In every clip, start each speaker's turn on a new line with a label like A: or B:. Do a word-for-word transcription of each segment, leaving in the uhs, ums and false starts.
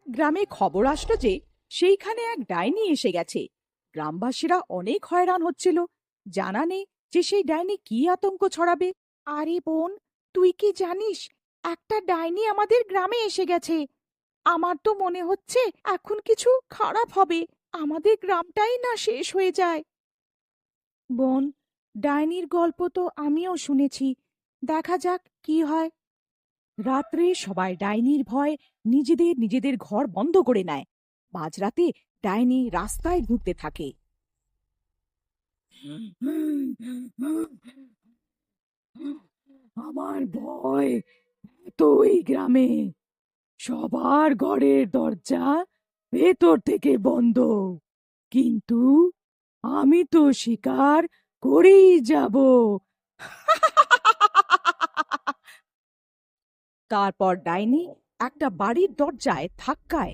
A: গ্রামে খবর আসলো যে সেইখানে এক ডাইনি এসে গেছে। গ্রামবাসীরা অনেক হয়রান হচ্ছিল, জানা নেই যে সেই ডাইনি কি আতঙ্ক ছড়াবে। আরে বোন, তুই কি জানিস একটা ডাইনি আমাদের গ্রামে এসে গেছে? আমার তো মনে হচ্ছে এখন কিছু খারাপ হবে, আমাদের গ্রামটাই না শেষ হয়ে যায়। বোন, ডাইনির গল্প তো আমিও শুনেছি, দেখা যাক কি হয়। রাত্রে সবাই ডাইনির ভয় নিজেদের নিজেদের ঘর বন্ধ করে নেয়। মাঝরাতে ডাইনি রাস্তায় ঘুরতে থাকে। আমার ভয় তো এই গ্রামে সবার ঘরের দরজা ভেতর থেকে বন্ধ, কিন্তু আমি তো শিকার করেই যাব। তারপর ডাইনি একটা বাড়ির দরজায় ধাক্কায়।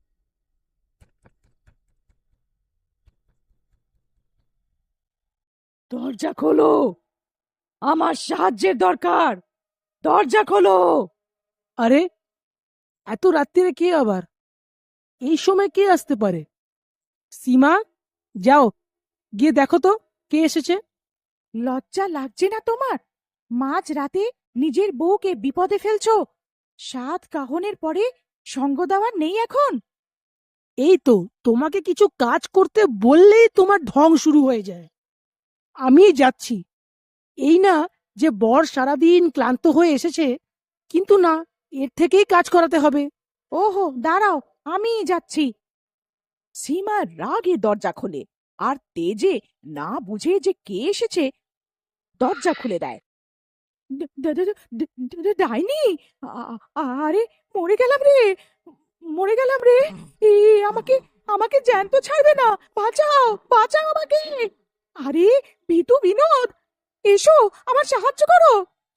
A: দরজা খোলো, আমার সাহায্যের দরকার, দরজা খোলো।
B: আরে, এত রাত্রিরে কে আবার? এই সময় কে আসতে পারে? সীমা, যাও গিয়ে দেখো তো কে এসেছে।
A: লজ্জা লাগছে না তোমার? মাঝ রাতে নিজের বউকে বিপদে ফেলছো। সাত কাহনের পরে সঙ্গ দেওয়ার নেই এখন?
B: এই তো, তোমাকে কিছু কাজ করতে বললেই তোমার ঢং শুরু হয়ে যায়। আমি যাচ্ছি। এই না যে বর সারাদিন ক্লান্ত হয়ে এসেছে, কিন্তু না, এর থেকেই কাজ করাতে হবে।
A: ওহো, দাঁড়াও, আমিই যাচ্ছি। সীমা রাগে দরজা খোলে, আর তেজে না বুঝে যে কে এসেছে দরজা খুলে দেয়। ড- ড- ড- ড- ড- ড- ডাইনি! আ- আরে, মরে গেলাম রে, মরে গেলাম রে। এ, আমাকে আমাকে জ্যান্ত ছাড়বে না, বাঁচাও, বাঁচাও আমাকে। আরে, ভিতু বিনোদ, এসো, আমার সাহায্য করো।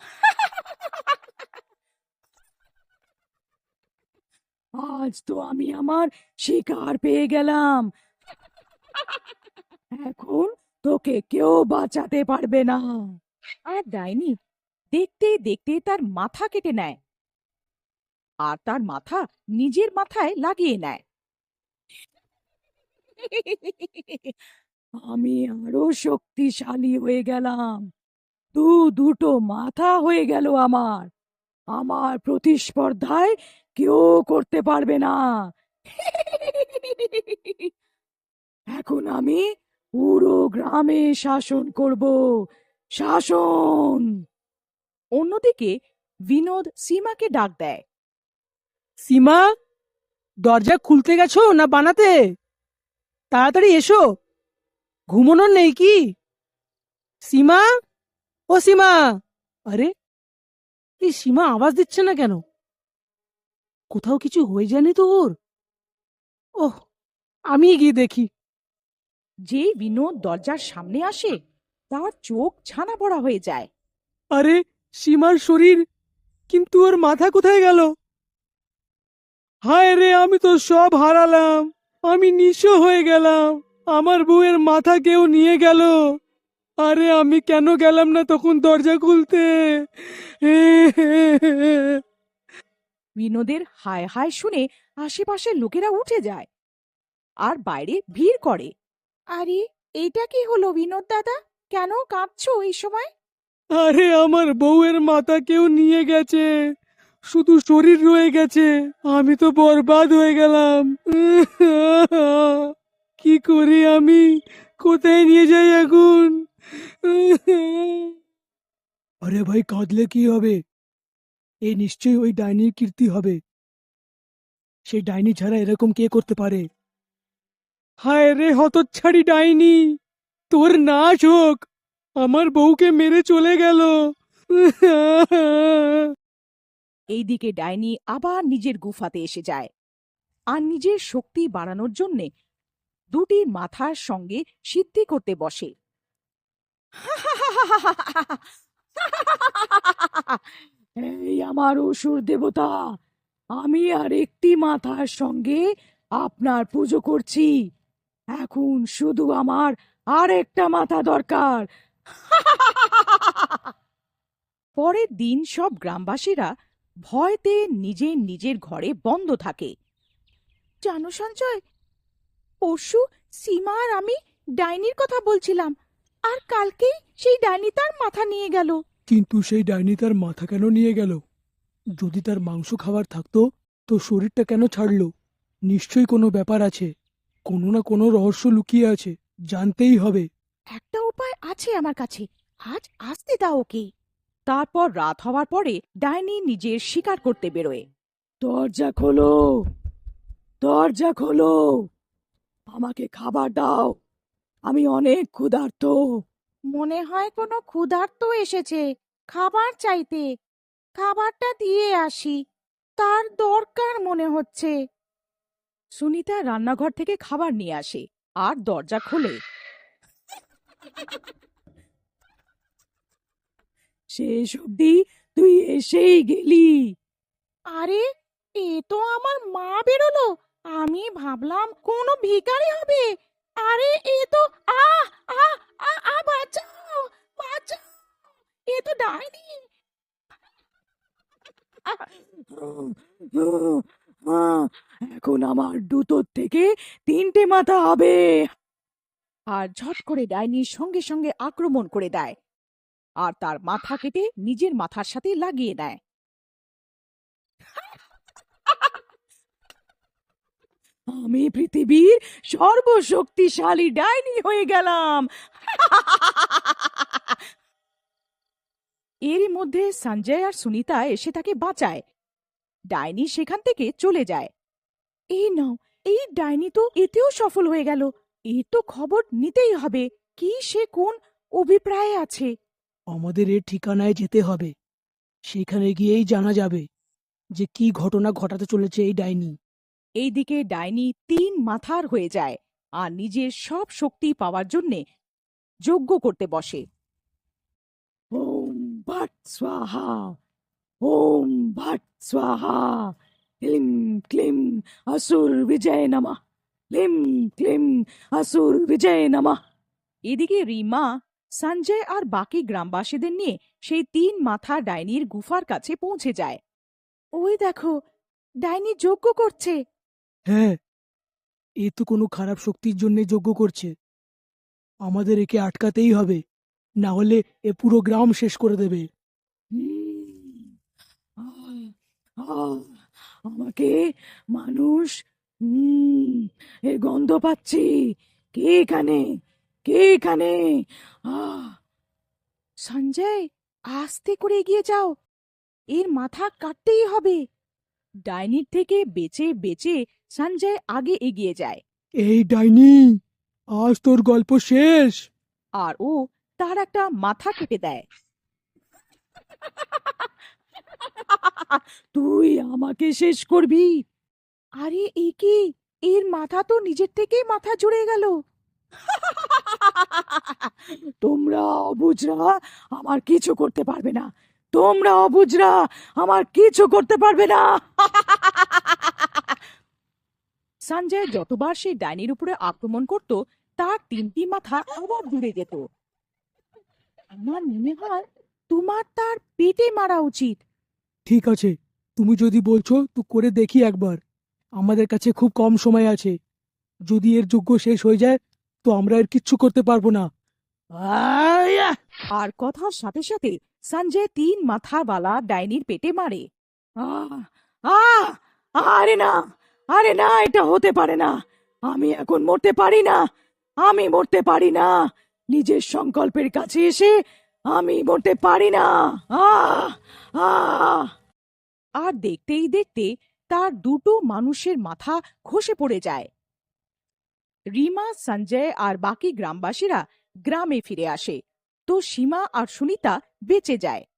A: আজ তো আমি আমার শিকার পেয়ে গেলাম, এখন তোকে কেউ বাঁচাতে পারবে না। আর ডাইনি দেখতে দেখতে তার মাথা কেটে নেয়, আর তার মাথা নিজের মাথায় লাগিয়ে নেয়। আমি আরো শক্তিশালী হয়ে গেলাম, দু দুটো মাথা হয়ে গেল আমার। আমার প্রতিস্পর্ধায় কেউ করতে পারবে না। এখন আমি পুরো গ্রামে শাসন করব, শাসন। অন্যদিকে বিনোদ সীমাকে ডাক দেয়।
B: সীমা, দরজা খুলতে গেছো না বানাতে? তাড়াতাড়ি এসো, ঘুমানোর নেই কি? সীমা, ও সীমা! আরে, এই সীমা আওয়াজ দিচ্ছে না কেন? কোথাও কিছু হয়ে যায়নি তো ওর? ওহ, আমি গিয়ে দেখি।
A: যেই বিনোদ দরজার সামনে আসে, তার চোখ ছানা পড়া হয়ে যায়।
B: আরে, সীমার শরীর, কিন্তু ওর মাথা কোথায় গেল? হায় রে, আমি তো সব হারালাম। আমি নিঃস্ব হয়ে গেলাম। আমার বউয়ের মাথা কেউ নিয়ে গেল। আরে, আমি কেন গেলাম না তখন দরজা খুলতে?
A: বিনোদের হায় হায় শুনে আশেপাশের লোকেরা উঠে যায় আর বাইরে ভিড় করে। আরে, এইটা কি হলো বিনোদ দাদা? কেন কাঁদছো এই সময়?
B: আরে, আমার বউয়ের মাথা কেউ নিয়ে গেছে, শুধু শরীর রয়ে গেছে। আমি তো বরবাদ হয়ে গেলাম। কি করি আমি? কোথায় নিয়ে যাই এখন? আরে ভাই, কাঁদলে কি হবে? এই নিশ্চয়ই ওই ডাইনির কীর্তি হবে। সেই ডাইনি ছাড়া এরকম কে করতে পারে? হায় রে হতচ্ছাড়ি ডাইনি, তোর নাশ হোক। আমার বউকে মেরে চলে গেল।
A: এইদিকে ডাইনি আবার নিজের গুফাতে এসে যায় আর নিজের শক্তি বাড়ানোর জন্যে দুটি মাথার সঙ্গে সিদ্ধি করতে বসে। এই আমার অসুর দেবতা, আমি আর একটি মাথার সঙ্গে আপনার পুজো করছি, এখন শুধু আমার আর একটা মাথা দরকার। পরের দিন সব গ্রামবাসীরা ভয়তে নিজের নিজের ঘরে বন্ধ থাকে। জানো সঞ্জয়, পরশু সীমা আর আমি ডাইনির কথা বলছিলাম, আর কালকেই সেই ডাইনি তার মাথা নিয়ে গেল।
B: কিন্তু সেই ডাইনি তার মাথা কেন নিয়ে গেল? যদি তার মাংস খাবার থাকতো তো শরীরটা কেন ছাড়লো? নিশ্চয়ই কোনো ব্যাপার আছে, কোনো না কোনো রহস্য লুকিয়ে আছে, জানতেই হবে।
A: একটা উপায় আছে আমার কাছে, আজ আসতে দাও ওকে। তারপর রাত হওয়ার পরে ডাইনি নিজের শিকার করতে বেরোয়।
B: দরজা খোলো, দরজা খোলো, আমাকে খাবার দাও, আমি অনেক ক্ষুধার্ত।
A: মনে হয় কোনো ক্ষুধার্ত এসেছে খাবার চাইতে। খাবারটা দিয়ে আসি, তার দরকার মনে হচ্ছে। সুনিতা রান্নাঘর থেকে খাবার নিয়ে আসে আর দরজা খোলে।
B: শেষ অবধি তুই এসেই গেলি।
A: আরে, এ তো আমার মা বেরোলো। আমি ভাবলাম কোনো ভিখারি হবে। আরে এ তো আ আ আ আ বাঁচাও, বাঁচাও, এ তো ডাইনি।
B: এখন আমার দুটোর থেকে তিনটে মাথা হবে।
A: আর ঝট করে ডাইনির সঙ্গে সঙ্গে আক্রমণ করে দেয় আর তার মাথা কেটে নিজের মাথার সাথে লাগিয়ে দেয়।
B: আমি পৃথিবীর সর্বশক্তিশালী ডাইনি হয়ে গেলাম।
A: এরই মধ্যে সঞ্জয় আর সুনিতা এসে তাকে বাঁচায়। ডাইনি সেখান থেকে চলে যায়। এই নাও, এই ডাইনি তো এতেও সফল হয়ে গেল। এর তো খবর নিতেই হবে, কি সে কোন অভিপ্রায়ে আছে।
B: আমাদের এর ঠিকানায় যেতে হবে, সেখানে গিয়েই জানা যাবে যে কি ঘটনা ঘটাতে চলেছে এই ডাইনি।
A: এইদিকে ডাইনি তিন মাথার হয়ে যায় আর নিজের সব শক্তি পাওয়ার জন্যে যজ্ঞ করতে বসে।
B: ওম ভট স্বাহা, ওম ভট স্বাহা, ক্লিম ক্লিম আসুর বিজয় নমঃ, ক্লিম ক্লিম আসুর বিজয় নমঃ।
A: এদিকে রিমা সঞ্জয় আর বাকি গ্রামবাসীদের নিয়ে সেই তিন মাথা ডাইনির গুফার কাছে পৌঁছে যায়। ওই দেখো, ডাইনি যজ্ঞ করছে।
B: হ্যাঁ, এ তো কোনো খারাপ শক্তির জন্য যজ্ঞ করছে। আমাদের একে আটকাতেই হবে, না হলে এ পুরো গ্রাম শেষ করে দেবে। আমাকে মানুষ, হুম, এর গন্ধ পাচ্ছি। কে এখানে, কে এখানে? আহ
A: সঞ্জয়, আস্তে করে এগিয়ে যাও, এর মাথা কাটতেই হবে। ডাইনির থেকে বেঁচে বেঁচে সঞ্জয় আগে এগিয়ে যায়
B: এই ডাইনি, আজ তোর গল্প শেষ।
A: আর ও তার একটা মাথা কেটে দেয়।
B: তুই আমাকে শেষ করবি?
A: আরে এ কি, এর মাথা তো নিজের থেকেই মাথা জুড়ে গেল।
B: তোমরা অবুঝরা আমার কিছু করতে পারবে না, তোমরা অবুঝরা আমার কিছু করতে পারবে না।
A: সঞ্জয় যতবার সেই ডাইনির উপরে আক্রমণ করত, তার তিনটি মাথা আবার জুড়ে যেত। আমার মনে হয় তোমার তার পেটে মারা উচিত।
B: ঠিক আছে, তুমি যদি বলছো তো করে দেখি একবার। আমাদের কাছে খুব কম সময় আছে, যদি এর যজ্ঞ শেষ হয়ে যায় তো আমরা এর কিচ্ছু করতে পারবো না। আয়া!
A: আর কথার সাথে সাথে সঞ্জয় তিন মাথাওয়ালা ডাইনির পেটে মারে।
B: আহ! আহ! আরে না, আরে না, এটা হতে পারে না। আমি এখন মরতে পারি না, আমি মরতে পারি না। নিজের সংকল্পের কাছে এসে আমি মরতে পারি না। আহ! আহ!
A: আর দেখতেই দেখতে তার দুটো মানুষের মাথা খসে পড়ে যায়। রিমা, সঞ্জয় আর বাকি গ্রামবাসীরা গ্রামে ফিরে আসে, তো সীমা আর সুনিতা বেঁচে যায়।